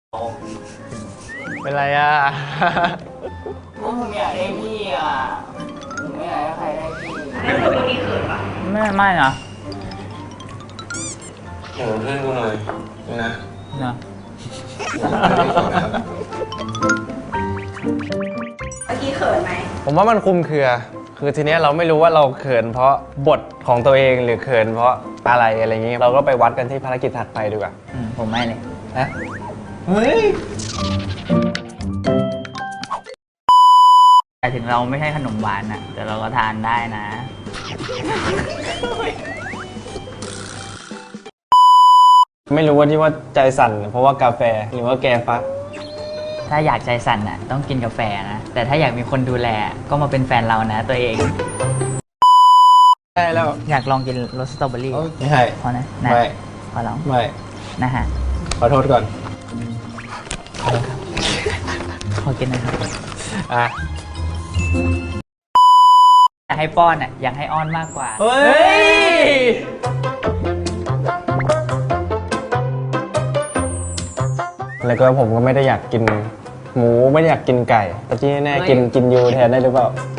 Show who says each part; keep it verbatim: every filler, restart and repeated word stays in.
Speaker 1: เป็นไรอ่ะ
Speaker 2: ผมอยากได้พี่อ่ะผมไม่อยากให้ใครได้พี่
Speaker 3: ไม่เคยตัวนี้เขินปะ
Speaker 2: ไม่ไม่นะ
Speaker 1: อยู่เป็นเพื่อนกูหน่อยนะ
Speaker 2: นะ
Speaker 3: เมื่อกี้เขินไหม
Speaker 1: ผมว่ามันคลุมเครือ คือทีเนี้ยเราไม่รู้ว่าเราเขินเพราะบทของตัวเองหรือเขินเพราะอะไรอะไรอย่างงี้ เราก็ไปวัดกันที่ภารกิจถัดไปดีกว่า
Speaker 2: อืมผมไม่เลย
Speaker 1: นะเฮ้ย
Speaker 2: แต่ถึงเราไม่ใช่ขนมหวานอะแต่เราก็ทานได้นะ
Speaker 1: ไม่รู้ว่าที่ว่าใจสั่นเพราะว่ากาแฟหรือว่าแกฟัก
Speaker 2: ถ้าอยากใจสั่นอะต้องกินกาแฟนะ แต่ถ้าอยากมีคนดูแลก็มาเป็นแฟนเรานะตัวเอง
Speaker 1: ใช่แล้ว
Speaker 2: อยากลองกินรสสตรอเบอรี่
Speaker 1: ไม่ใช่
Speaker 2: พอนะนะ
Speaker 1: ไม่
Speaker 2: ขอลอง
Speaker 1: ไม่
Speaker 2: นะฮะ
Speaker 1: ขอโทษก่อน
Speaker 2: ขอกินหนะครับ
Speaker 1: อ่ะ
Speaker 2: อยากให้ป้อนอะอยากให้อ้อนมากกว่า
Speaker 1: เฮ้ย แล้วก็ผมก็ไม่ได้อยากกินหมูไม่ได้อยากกินไก่ แต่ที่แน่ๆกินกินยูแทนได้หรือเปล่า